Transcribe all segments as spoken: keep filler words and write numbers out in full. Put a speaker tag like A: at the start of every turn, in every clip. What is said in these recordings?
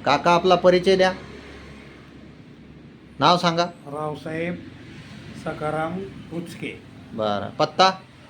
A: काका आपला परिचय द्या, नाव सांगा.
B: रावसाहेब सखाराम उचके,
A: बरं. पत्ता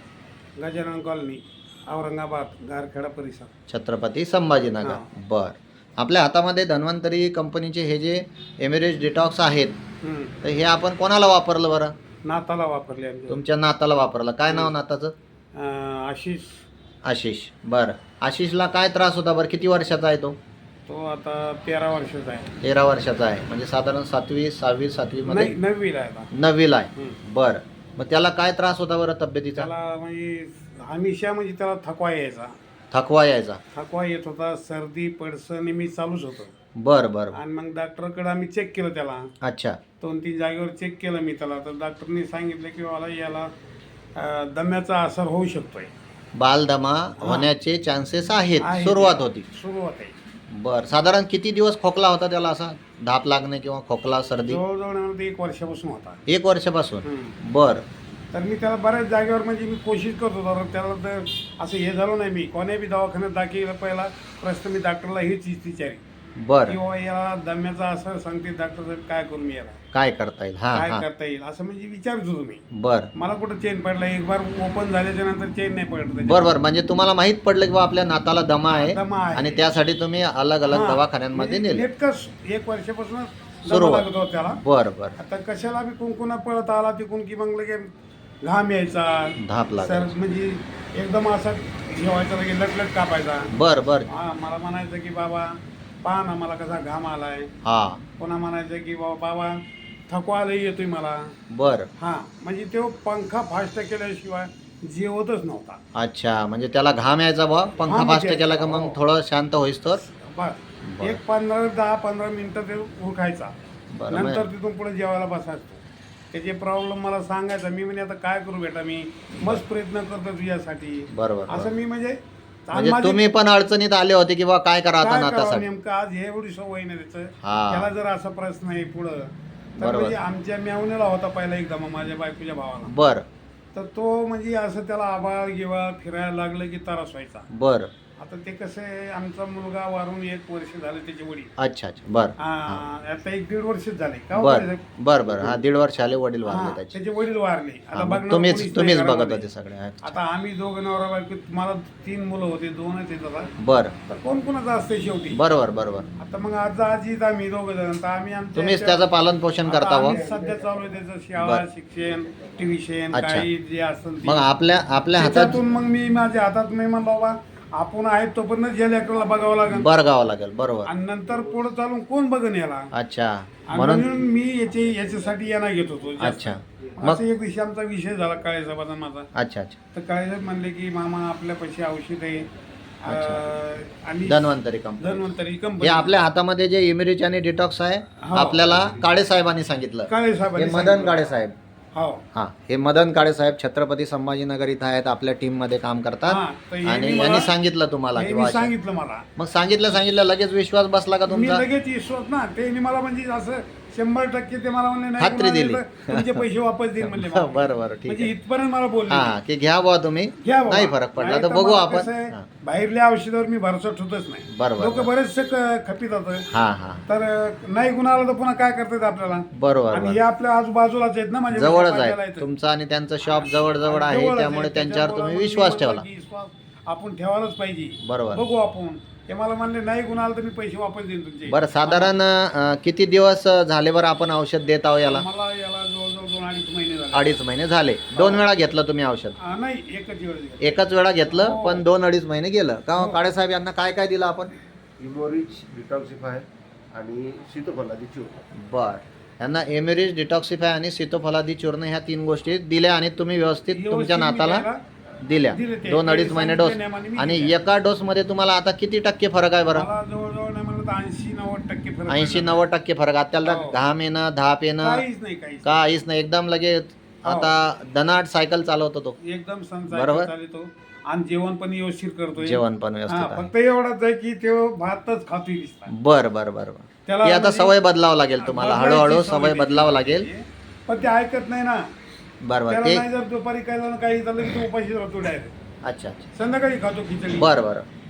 B: गजानन कॉलनी, औरंगाबाद, गारखेडा परिसर,
A: छत्रपती संभाजीनगर.
B: हां.
A: बर. आपल्या हातामध्ये धन्वंतरी कंपनीचे हे जे एमिरेज डिटॉक्स आहेत,
B: हम्म.
A: तर हे आपण कोणाला वापरलं बरं?
B: नाताला वापरले आमच्या.
A: तुमच्या नाताला वापरलं. काय नाव नाताचं?
B: अं, आशिष.
A: आशिष. बरं. आशिषला काय त्रास होता बरं? किती वर्षाचा आहे तो?
B: तो आता तेरा वर्षाचा आहे.
A: तेरा वर्षाचा आहे, म्हणजे साधारण सातवी सहावी सातवीमध्ये
B: नाही, नववीला आहे आता.
A: नववीला आहे.
B: हम्म.
A: बरं. मग त्याला काय त्रास होता बरं तब्येतीचा?
B: त्याला म्हणजे हमेशा म्हणजे त्याला थकवा यायचा.
A: थकवा यायचा.
B: थकवा येत होता, सर्दी पडसं नेहमी चालूच होतं.
A: बरं बरं.
B: आणि मग डॉक्टरकडे आम्ही चेक केलं त्याला.
A: अच्छा.
B: दोन तीन जागेवर चेक केलं मी त्याला, तर डॉक्टरनी सांगितलं की मला याला अं, दम्याचा असर होऊ शकतोय.
A: बालदमा होण्याचे चान्सेस आहेत.
B: आहे.
A: सुरुवात होती.
B: सुरुवात आहे.
A: बर. साधारण किती दिवस खोकला होता त्याला, असा धाप लागणे किंवा खोकला सर्दी?
B: जवळजवळ मला ते एक वर्षापासून होता.
A: एक वर्षापासून.
B: हम्म.
A: बर.
B: तर मी त्याला बऱ्याच जागेवर म्हणजे मी कोशिश करत होतो, तर त्याला तर असं हे झालं नाही. मी कोण्या बी दवाखान्यात दाखल पहिला प्रश्न मी डॉक्टरला हीच विचारी
A: बर.
B: किंवा याला दम्याचा असर सांगते डॉक्टर साहेब, काय करू मी याला,
A: काय करता येईल? हा
B: काय
A: हा.
B: करता येईल असं म्हणजे विचारत होतो मी.
A: बर
B: मला कुठं चेन पडला, एक बार ओपन झाल्याच्या नंतर चेन नाही पडत.
A: बर बर. म्हणजे तुम्हाला माहित पडलं की बा आपल्या नाताला दमा आहे,
B: दमा आहे.
A: आणि त्यासाठी तुम्ही अलग अलग
B: हां,
A: दवाखान्यांमध्ये
B: म्हणजे
A: नेले.
B: नेटकंच एक वर्षापासून
A: सुरुवात.
B: लागत होता त्याला.
A: बर बर.
B: आता कशाला बी कुंकुना पळत आला तिकून की मग लगे घाम यायचा,
A: धाप
B: सर
A: लागायची.
B: म्हणजे एकदम असा जेवायचा लगे लटलट कापायचा.
A: बर बर.
B: हा, मला म्हणायचं की बाबा पहा ना मला कसा घाम आलाय.
A: हा.
B: पुन्हा म्हणायचं की बाबा बाबा थकवा लई येतोय मला.
A: बर.
B: हा, म्हणजे तो पंखा फास्ट केल्याशिवाय जेवतच नव्हता.
A: अच्छा, म्हणजे त्याला घाम यायचा बा, पंखा
B: घाम
A: फास्ट
B: यायचा.
A: केला का मग
B: हो.
A: थोडं शांत होईस तर.
B: बस
A: बरं.
B: एक पंधरा दहा पंधरा मिनिटं ते उरखायचा.
A: बरं.
B: नंतर तिथून पुढे जेवायला बसायचो. त्याचे प्रॉब्लेम मला सांगायचा. मी म्हणजे आता काय करू बेटा, मी मस्त प्रयत्न करतो तुझ्यासाठी.
A: बरोबर.
B: असं मी म्हणजे
A: म्हणजे
B: माझी-
A: तुम्ही पण अडचणीत आले होते की बा काय करा आता
B: काय करावं
A: नातासाठी.
B: नेमकं आज हे एवढी सवय नाही त्याचं.
A: हा.
B: त्याला जर असा प्रश्न आहे पुढं तर
A: बरोबर.
B: म्हणजे आमच्या मेवण्याला होता पहिला एकदा मग माझ्या बायकोच्या भावाला.
A: बर
B: तर तो म्हणजे असं त्याला आबाळ गिवाळ फिरायला लागलं की त्रास व्हायचा.
A: बर.
B: आता ते कसं आहे, आमचा मुलगा वारून एक वर्ष झालं, त्याचे वडील
A: अच्छा अच्छा. बर
B: हा, आता एक दीड वर्ष झाले का हो
A: बर
B: साहेब?
A: बर बर. हा, दीड वर्ष आले वडील
B: हा,
A: वारले त्याचे.
B: त्याचे वडील वारले.
A: हा,
B: आता
A: मग
B: बघणार
A: तुम्हीच
B: कोणीच
A: तुम्हीच
B: नाही
A: बघत
B: घरामध्ये.
A: होते सगळे. अच्छा.
B: आता आम्ही दोघं नवरा बायको, मला तीन मुलं होते, दोनच आहेत आता.
A: बर.
B: तर कोण कोणाचं असते शेवटी.
A: बरोबर बरोबर.
B: आता मग आज आजीत आम्ही दोघं जण, तर आम्ही आमच्या-
A: तुम्हीच त्याचं पालन पोषण
B: आता
A: करता व.
B: आम्ही सध्या चालू आहे त्याचं शाळा
A: बर.
B: शिक्षण, ट्युशन,
A: अच्छा.
B: काही जे असेल ते.
A: मग आपल्या आपल्या हातात
B: त्याच्यातून मग मी माझ्या हातात मी म्हणलो बाबा आपण आहेत तोपर्यंत या लेकराला बघावं लागेल,
A: बरगावं लागेल. बरोबर.
B: आणि नंतर पुढे चालून कोण बघन याला.
A: अच्छा.
B: आणि
A: म्हणून
B: म्हणून मी याचे याच्यासाठी यांना घेत होतो जास्त.
A: अच्छा. मग
B: असं एक दिवशी आमचा विषय झाला काळेसाहेबाचा माझा.
A: अच्छा अच्छा.
B: तर काळेसाहेब म्हणले की मामा आपल्या पैसे औषध आहे अं, आणि
A: धन्वंतरी कंपनी.
B: धन्वंतरी
A: हे
B: कंपनी.
A: आपल्या हातामध्ये जे इमिरिच आणि डिटॉक्स आहे,
B: हो.
A: आपल्याला काळे साहेबांनी सांगितलं. हे
B: काळेसाहेबांनी
A: मदन
B: सांगितलं.
A: काळे साहेब.
B: हो.
A: हा, हे मदन काळे साहेब छत्रपती संभाजीनगर इथं आहेत, आपल्या टीम मध्ये काम
B: हा,
A: करतात.
B: तर हे
A: आणि
B: मी
A: यांनी
B: मला-
A: सांगितलं तुम्हाला
B: हे
A: की
B: मी
A: बा-
B: सांगितलं मला.
A: मग सांगितलं सांगितलं लगेच विश्वास बसला का
B: मी
A: तुमचा?
B: लगेच विश्वास ना, ते मला म्हणजे असं शंभर टक्के ते मला म्हणले नाही
A: खात्री
B: कुणाला
A: दिली.
B: दिलं, तुमचे पैसे वापस देईल म्हणले मला.
A: बरं बरं, ठीक
B: म्हणजे
A: आहे.
B: इथपर्यंत मला बोलले.
A: हा, की घ्या बुवा तुम्ही,
B: घ्या बाबा.
A: नाही फरक पडला
B: नाही
A: तर बघू
B: मला
A: आपण.
B: कसं आहे,
A: हा.
B: बाहेरल्या औषधावर मी भरोसा ठेवतच नाही.
A: बरोबर,
B: लोक
A: बरोबर.
B: बरेचसे क- खपीत होतं.
A: हा हा.
B: तर नाही गुणाला तर पुन्हा काय करतात आपल्याला.
A: बरोबर
B: आणि हे
A: बरोबर.
B: आपल्या आजूबाजूलाच आहेत ना, म्हणजे
A: जवळच
B: बाजूला
A: आहे
B: आहेत.
A: तुमचं आणि त्यांचं शॉप जवळ जवळ आहे,
B: जवळच
A: त्यामुळे
B: आहे.
A: त्यांच्यावर तुम्ही
B: त्याच्यामुळे
A: विश्वास
B: मी
A: ठेवला.
B: म्हणलं की विश्वास आपण ठेवायलाच पाहिजे.
A: बरोबर.
B: बघू आपण. ते मला म्हणले नाही गुणाला तर मी पैसे वापस देईन तुमचे.
A: बरं, साधारण अं, किती दिवस झाले बरं आपण औषध देत आहो याला?
B: मला याला जवळजवळ दोन अडीच महिने झाले.
A: अडीच महिने झाले. दोन वेळा घेतलं तुम्ही औषध?
B: हा, नाही एकच वेळ दिला.
A: एकच वेळा घेतलं,
B: हो.
A: पण दोन अडीच महिने गेलं का?
B: हो.
A: काळे साहेब यांना काय काय दिलं आपण?
C: इमोरिच डिटॉक्सिफाय आणि सीतोफलादी चूर्ण.
A: बर. यांना एमिरिज डिटॉक्सिफाय आणि सीतोफलादी चूर्ण ह्या तीन गोष्टी दिल्या, आणि तुम्ही व्यवस्थित
B: व्यवस्थित
A: तुमच्या
B: मी
A: नाताला
B: त्याला
A: दिल्या.
B: दिले ते.
A: दोन
B: ते
A: अडीच महिने डोस.
B: सांगितल्या नियमाने मी
A: आणि
B: दिल्या.
A: एका डोस मध्ये तुम्हाला आता किती टक्के फरक आहे बरं?
B: मला जवळजवळ नाही म्हणलं तर ऐंशी नव्वद टक्के फरक
A: ऐंशी
B: पडला.
A: नव्वद टक्के फरक. आता त्याला
B: हो.
A: घाम येणं, धाप येणं
B: काहीच नाही काहीच
A: काहीच नाही, एकदम लगेच
B: हो.
A: आता दनाट सायकल चालवतो तो.
B: नाही. एकदम
A: बरोबर.
B: चालतो आणि जेवण पण व्यवस्थित करतोय.
A: जेवण पण
B: हा,
A: व्यवस्थित आहे.
B: फक्त एवढाच आहे की तो भातच खातोय दिसता.
A: बर बर बर बर.
B: त्याला
A: ती आता
B: म्हणजे-
A: सवय बदलावं लागेल तुम्हाला,
B: बदलायची
A: हळूहळू
B: सवय
A: सवय बदलावं लागेल.
B: त्याची. पण ते ऐकत नाही ना.
A: बर बर.
B: त्याला
A: ते
B: नाही जर दुपारी काय झालं काही झालं की तो उपाशी राहतो डायरेक्ट.
A: अच्छा अच्छा.
B: संध्याकाळी खातो खिचडी.
A: बर बर.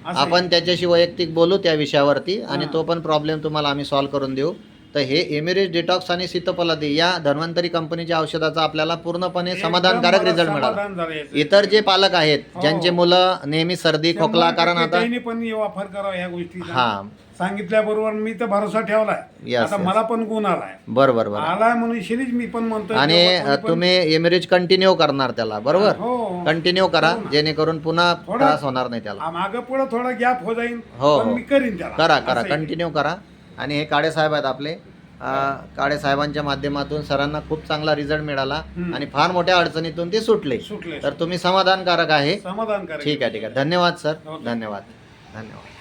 B: असं
A: आपण त्याच्याशी वैयक्तिक बोलू त्या विषयावरती आणि
B: हां.
A: तो पण प्रॉब्लेम तुम्हाला आम्ही सॉल्व्ह करून देऊ. तर हे एमिरेज डिटॉक्स आणि सीतोफलादी या धन्वंतरी कंपनीच्या औषधाचा आपल्याला पूर्णपणे
B: एकदम
A: समाधानकारक
B: मला
A: रिझल्ट मिळाला.
B: समाधान झालं याचं.
A: इतर जे पालक आहेत
B: हो.
A: ज्यांचे मुलं नेहमी सर्दी खोकला,
B: शंभर
A: कारण
B: टक्के
A: आता
B: त्यांनी पण वापर करावा ह्या गोष्टीचा.
A: हा
B: सांगितल्याबरोबर मी तर भरोसा ठेवलाय.
A: Yes,
B: आता
A: yes.
B: मला पण गुण आलाय
A: बरं बरं बरं
B: आलाय म्हणून शिरीज मी पण म्हणतोय
A: आणि
B: की
A: अ,
B: बाबा कोणी
A: तुम्ही एमिरेज कंटिन्यू करणार त्याला, बरोबर?
B: पण- हो
A: कंटिन्यू करा
B: हो ना.
A: जेणेकरून पुन्हा
B: थोडा-
A: त्रास होणार नाही त्याला.
B: मागं पुढं थोडा गॅप हो जाईल
A: हो,
B: पण
A: हो.
B: मी करीन त्याला
A: करा करा
B: असं आहे.
A: कंटिन्यू करा. आणि हे काळे साहेब आहेत आपले, अ, काळे साहेबांच्या माध्यमातून सरांना खूप चांगला रिझल्ट मिळाला
B: हम्म.
A: आणि फार मोठ्या अडचणीतून ते सुटले.
B: सुटले
A: तर तुम्ही समाधानकारक आहे.
B: समाधान करा.
A: ठीक आहे ठीक आहे. धन्यवाद सर,
B: हो,
A: धन्यवाद धन्यवाद.